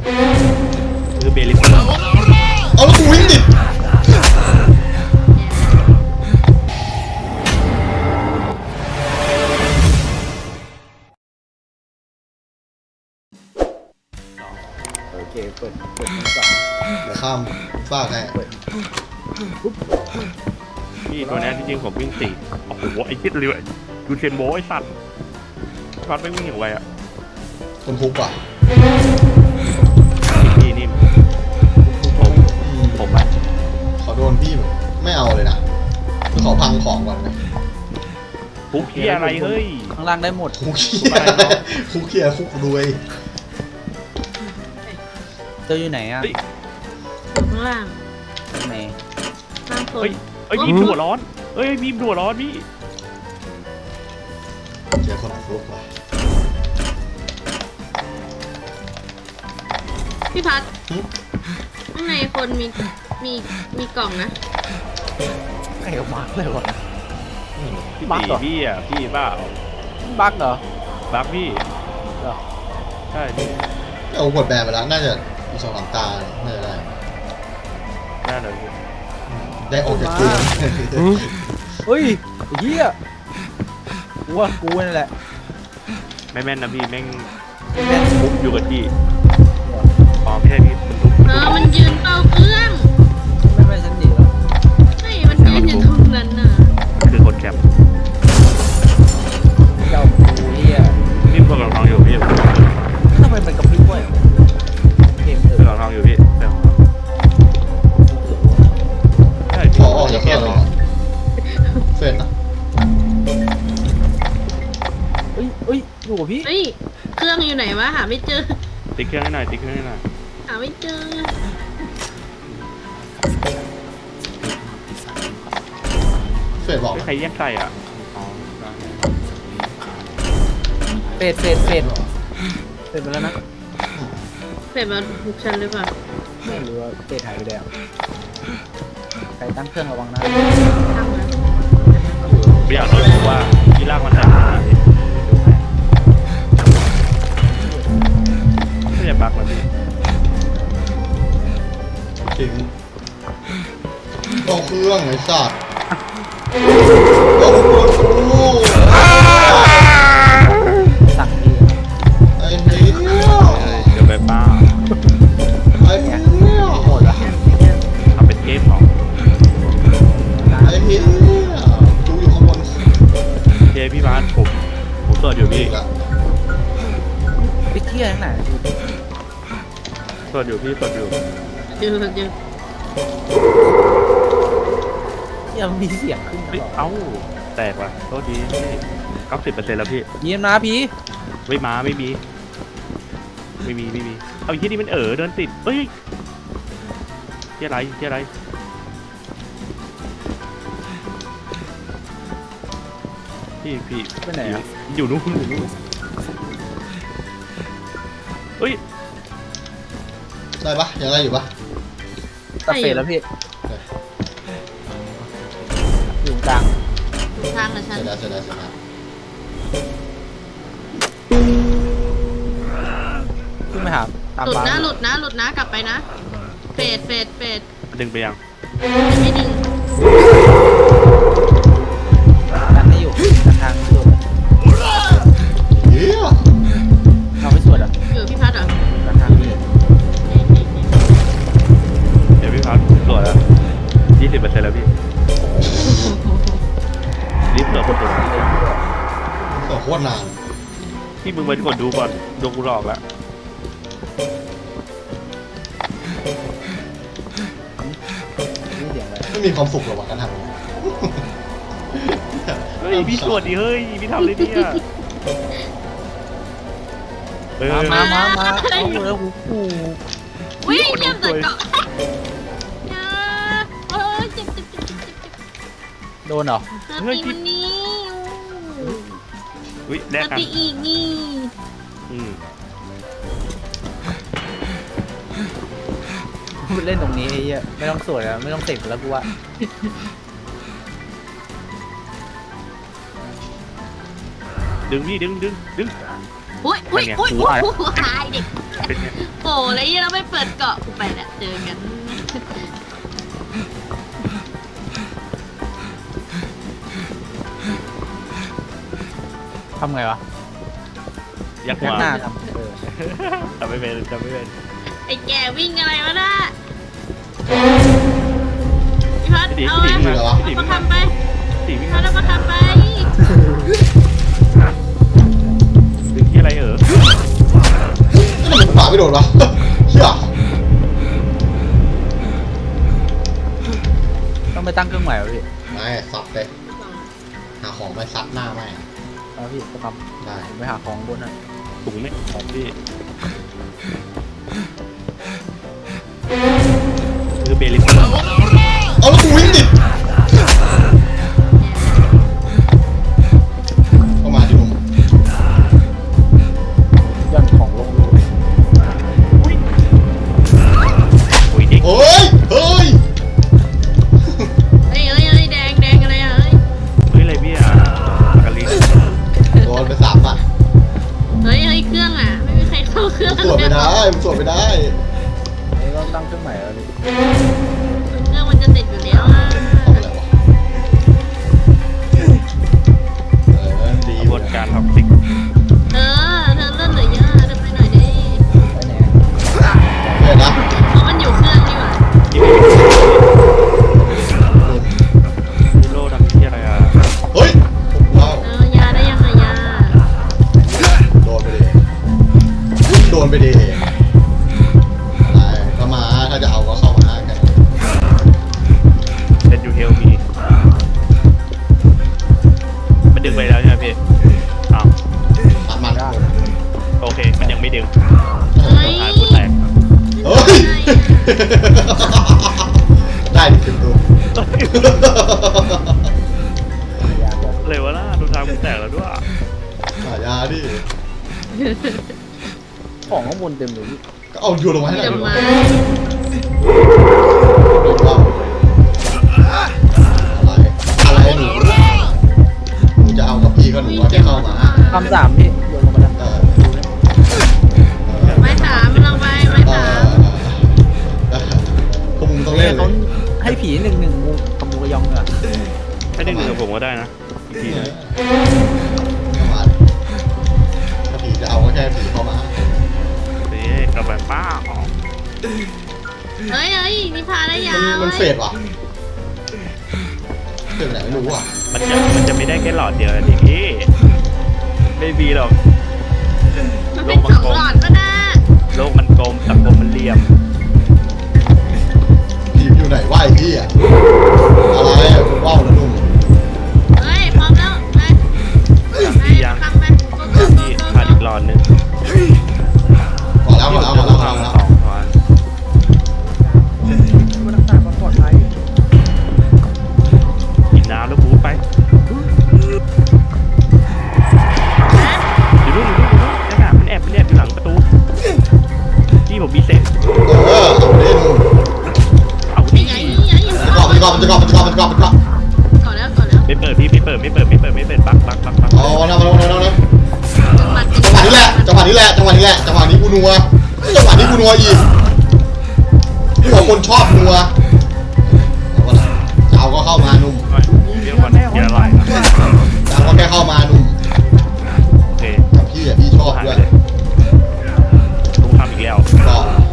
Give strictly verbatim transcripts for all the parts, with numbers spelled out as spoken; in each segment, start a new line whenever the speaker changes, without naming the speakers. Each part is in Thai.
คือเบลิส
เอาแล้วกูวิ่งดิ
โอเคเปิดเปิดมือก่อน
เดี๋ยวข้ามฟากให้
เปิดปุ๊บ
พี่ตัวนี้ที่จริงผมวิ่งสี่โอ้โหไอ้คิดเลยดูเชนโบไอ้สัตว์ฟัดไม่วิ่งอย่างไรอ่ะ
คนทุกข์ว่ะ
พี่นี่ผม
อืม
ผมอะ
ขอโดนพี่แบบไม่เอาเลยนะขอพังของก่อนนะ
คุกที่อะไรเฮ้ย
ข้างล่างได้หมด
คุกเขี้ยคุกเขี้ยคุกรวย
เจออยู่ไหนอ่ะ
อยู่ข้างล่าง
ไหน
ข้างคน
เฮ้ยเฮ้ยมีมหัวร้อนเฮ้ยมีมหัวร้อนพี่
เจอคนทุกข์ว่ะ
พี่พัดข้างในคนมีมีมีกล่องนะ
ไอ้บักเลยวะ
พี่
บั๊ก
ตี
เหรอ
พี่อ่ะพี่บ้า
บักเหรอ
บักพี่
เหรอ
ใช่พี่
เอากดแบนไปแล้วน่าจะอีกสองสามตาน่าจะได้
น่าเลยพี่
ได้ออกจากเกม
เฮ้ยไอ้เหี้ยกูว่ากูนี่แหละ
ไม่แม่นนะพี่แม่ง
แม่ง
ทุบอยู่กับที่อ๋อไม่ใช่พี่มันทุบ
เออมันยืนเป่าเครื่อง
ไม่ไม่ฉันหนีแล้ว
ไม่มันยืนอยู่ตรงนั้นน่ะ
มันคือคนแคป
เจ้ากูเหี้ย
นี่พวกเราทองอยู่พี่
ทำไมมันกระพริบด้วยเกมเถ
พวก
อะ
เราทองอยู่พี่เดี๋ยวใช่
ขอออกจากเครื่องแล้วเฟรนนะ
เฮ้ยเฮ้ยอยู่กับพี่
เฮ้ยเครื่องอยู่ไหนวะหาไม่เจอ
ติ๊กเครื่องให้หน่อยติ๊กเครื่องให้หน่อย
หาไม่เจอ
เฟรนบอก
ไม่ใครแย่งใส่อ่ะอ๋อ
เฟดเฟดเฟดเฟดไปแล้วนะ
เสร็จมาบุกฉันหรือเปล่า
ไม่รู้ว่าเฟดหายไปแล้วใครตั้งเครื่องระวังนะ
ทำนะ
ไม่อยากรู้ว่าที่ลากมันใส่ไม่จะปักมันพี่
ถึงต้องเครื่องไอ้สัตว์ต้องเครื่องกู
สั่งพี่
ไอ้เหี้ย
เดี๋ยวไปป้า
ไอ้เหี้ย
หมดละ
ทำเป็นเกมของ
ไอ้เหี้ยกูอยู่ข้างบน
เจพี่บ้านผมผมเสิร์ชอยู่พี่
อีกละ
ไปเที่ยวไหน
เสิร์ชอยู่พี่เสิร์ชอยู่
เจอเจอ
เที่ยวมีเสียงขึ้นต
เฮ้ย
ลอด
เอ้าแตกว่ะโทษดีเก้าสิบเปอร์เซ็นต์แล้วพี่
เยี่ยมนะพี่
ไม่มาไม่มี ไม่มีไม่มีเอาที่นี่มันเออเดินติดเฮ้ยที่อะไรที่อะไรพี่พี่
ไปไหนอ่ะ
อยู่นู่นอยู่นู่นเฮ้ย
ได้ปะยังได้อยู่ปะ
ตัดเฟดแล้วพี่อยู่กลาง
ทางกับฉั
เส
น
ร็จแล้วเสร็จแล้วเสร็จแล้ว
ขึ้นไปหาตาม
หลุด
บ้าน
นะหลุดนะหลุดนะกลับไปนะเฟดเฟดเฟด
ดึงไปยัง
ไม่ดึง
ดันไม่อยู่ดันทางไม่สวด
เหี้ย
เราไม่สวดอ่ะ
อยู่พี่พัดเหรอ
ดันทางพี่
เดี๋ยวพี่พักตรวจแล้วยี่สิบเปอร์เซ็นต์แล้วพี่รีบเหลือคนตัว
ต่อโคตรนาน
พี่มึงไปกดดูก่อนดวงกูหลอกแล้ว
นี่เสียงอะไร
ไม่มีความสุขหรอกวะการทำ
เฮ้ยพี่ตรวจดิเฮ้ยพี่ทำเลยเนี่ยเออ
มามามาเอาแล้วหูกู
วิ่งเยี่ยมแต่เกาะอย่าเออเจ็บเจ็บเจ็บเจ็บเจ็บ
โดนเหรอ
เธอตีมันนี้
อุ้ย
เธ
แลก
อ
กัน
ตีอีกนี่
อืม
เล่นตรงนี้ไอ้เหี้ยไม่ต้องสวดแล้วไม่ต้องเสกแล้วกูว่า
ดึงพี่ดึงดึงดึง
อุ้ยอุ้ยอุ้ยอุ้ยหายเด็ก
เป็นไง
โอ้แล้วยี่เราไม่เปิดเกาะกูไปแหละเจอกัน
ทำไงวะ
ยักษ์
ยัก
มา
หน้าทำเออ
จำไม่เป็นจำไม่เป็น
ไอ้แกวิ่งอะไรวะน่ะพี่พัด
พี่ตี
เอา
พี่ตี
อะ
วิ่งมา
เอา
พี่ตี
มา
วิ่งมา
ทำไป
พี่ตีวิ่ง
เอา
มา
มาทำไป
ดึงที่อะไรเออ
นี่มันขวาไม่โดนวะเชี่ย
ต้องไปตั้งเครื่องใหม่วะพี่
ไม่ซัดเลยหาของไปซัดหน้าไม่
เอาพี่ไปท
ได้
ำผมไปหาของบนน่ะ
ถุงไม่ของพี่คือเบลิส
เอาแล้วกูวิ่งดิเข้ามาที่ผม
ย่อนของลงรู
โอ้ยเด็ก
เฮ้ยเฮ้ย
เฮ้ยเฮ้ยเฮ้ยแดงแดงอะไรอ่ะเฮ้ย
เฮ้ยอะไรพี่อ่ะกะลิง
โดนไปสามอ่ะ
เฮ้ยเฮ้ยเครื่องอ่ะไม่มีใครเข้าเครื่อง
มันสวดไม่ได้มันสวดไม่ได้
เอ้ยต้องตั้งเครื่องใหม่แล้วพี่
เครื่องมันจะติดอยู่แล้วอ่ะ
ทำอะไรวะเออดี
กระบวนการท็อกซิก
เออเธอเลื่อนเหลือเยอะเดินไปหน่อยดิ
ไปไหน
เห็นนะ
เพราะมันอยู่เครื่องนี่หว่า
ที่ไม่มีโลทำที่อะไรอ่ะ
เฮ้ยว้าว
เออยาได้ยังไงยา
โดนไปดิโดนไปดิอะไรก็มาถ้าจะเอาก็เข้ามากัน
เป็นยูเฮลมีมันดึงไปแล้วใช่ไหมพี่อ้าว
ตัดมัน
โอเคมันยังไม่ดึง
เฮ้ย
หายกูแตก
เฮ้ยได้ดิคือตัว
ยากเลย
เลยวะล่ะดูทางกูแตกแล้วด้วย
หายาดิ
ของข้างบนเต็มเลยพี่
ก็เอาโยนลงมาให้หน่
เดี๋
อย
ยว
ดิ
มา
ว้าวอะไรอะไรหนูหนูจะเอากับพี่ก็หนูว่าแค่เข้ามา
คำสามพี่โยนลงมาแล้ว
เออ
ไม้สามเราไปไม้
เอ
สาม
อพวกมึงต้องเล่นเล
เขา
ย
ให้ผีหนึ่งหนึ่งมูกับมูกระยองเหรอ
ถ้าดึงดึงกับผมก็ได้นะอีกทีนะ
เข้ามาถ้าผีจะเอาก็แค่ผีเข้ามา
นี่กระแบบป้าออก
เฮ้ยเฮ้ยนี่พาได้ยา
มัน
เว้
มัน
ย
เฟดว่ะเฟดไปไหนไม่รู้อ่ะ
มันจะมันจะไม่ได้แค่หลอดเดียวนะดิพี่ไม่มีหรอก
มันเป็นสองหลอดก็ได้
โลกมันกลมสังคมมันเหลี่ยม
ผีอยู่ไหนวะไอ้พี่อะอะไรอะคุณว่าวนะนุ่ม
เฮ้ยพร้อมแล้วไปไปทำไปโกโก้โก
ที่
โก้
ขาดอีกหลอดนึง
ขอแล้วขอแล้วขอแล้วขอแล้ว
สองหลอด
มันรักษาความปลอดภัย
กินน้ำแล้วบูทไปอยู่นู่นอยู่นู่นอยู่นู่นนั่นน่ะมันแอบมันแอบอยู่หลังประตูที่ผมมีเศษ
เออเอาไปเล่นนุ่ม
เอา
ไอ้
ดิ
ไงไอ้
มันจะกรอบมันจะกรอบมันจะกรอบมันจะกรอบมันจะกรอบมันจะกรอบ
ก่อนแล้วก่อนแล้ว
ไม่เปิดพี่ไม่เปิดไม่เปิดไม่เปิดไม่เปิดปักปักปักปัก
เอาเอาเอาเอาเอาเอา
จังหวัด
จังหวะนี้แหละจังหวะนี้แหละจังหวะนี้แหละจังหวะนี้กูนัวจังหวะนี้กูนัวอีกนี่บอกคนชอบนัวเอาวะล่ะจะเอาก็เข้ามานุ่ม
เดี๋ยวก่อนเดี๋ยวอะไรนะ
จะเอาก็แค่เข้ามานุ่ม
โอเค
กับพี่อะพี่ชอบ
หาย
ด้
ไป
วย
เลยลุงทำอีกแล้ว
ก็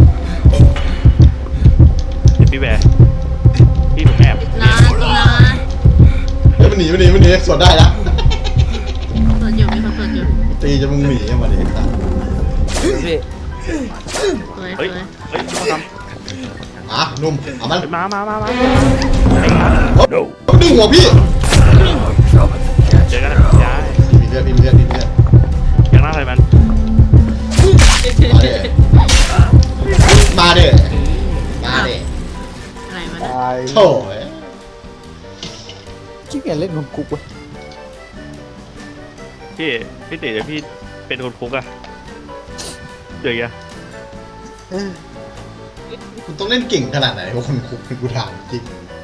เดี๋ยวพี่แวร์พี่ผมแอบ
ลาลา
เฮ้ยมันหนีมันหนีมันหนีสวนได้ละ
เปิดอยู่มีคนเปิดอยู่
ตีจะมึงหนีอะมาดิไอ้สัส
พี่
สวยส
เฮ้ย
วย
เฮ้ยเขาทำ
มานุ่มเอามัน
เฮ้ยมามามามาไอ้ครับ
ดึงหัวพี่
เจอกันนะยาย
มีเลือดมีเลือดมีเลือด
ยังน่าอะไรมัน
มาเด้มาเด้
อะไรมา
ต
เนี่ย
าย
โถ่เอ้ย
ขี้เกียจเล่นคนคุกเว้ย
พี่พี่ติเดี๋ยวพี่เป็นคนคุกอะเดี๋ยวya
คุณต้องเล่นเก่งขนาดไหนวะคนคุกกูถามจริง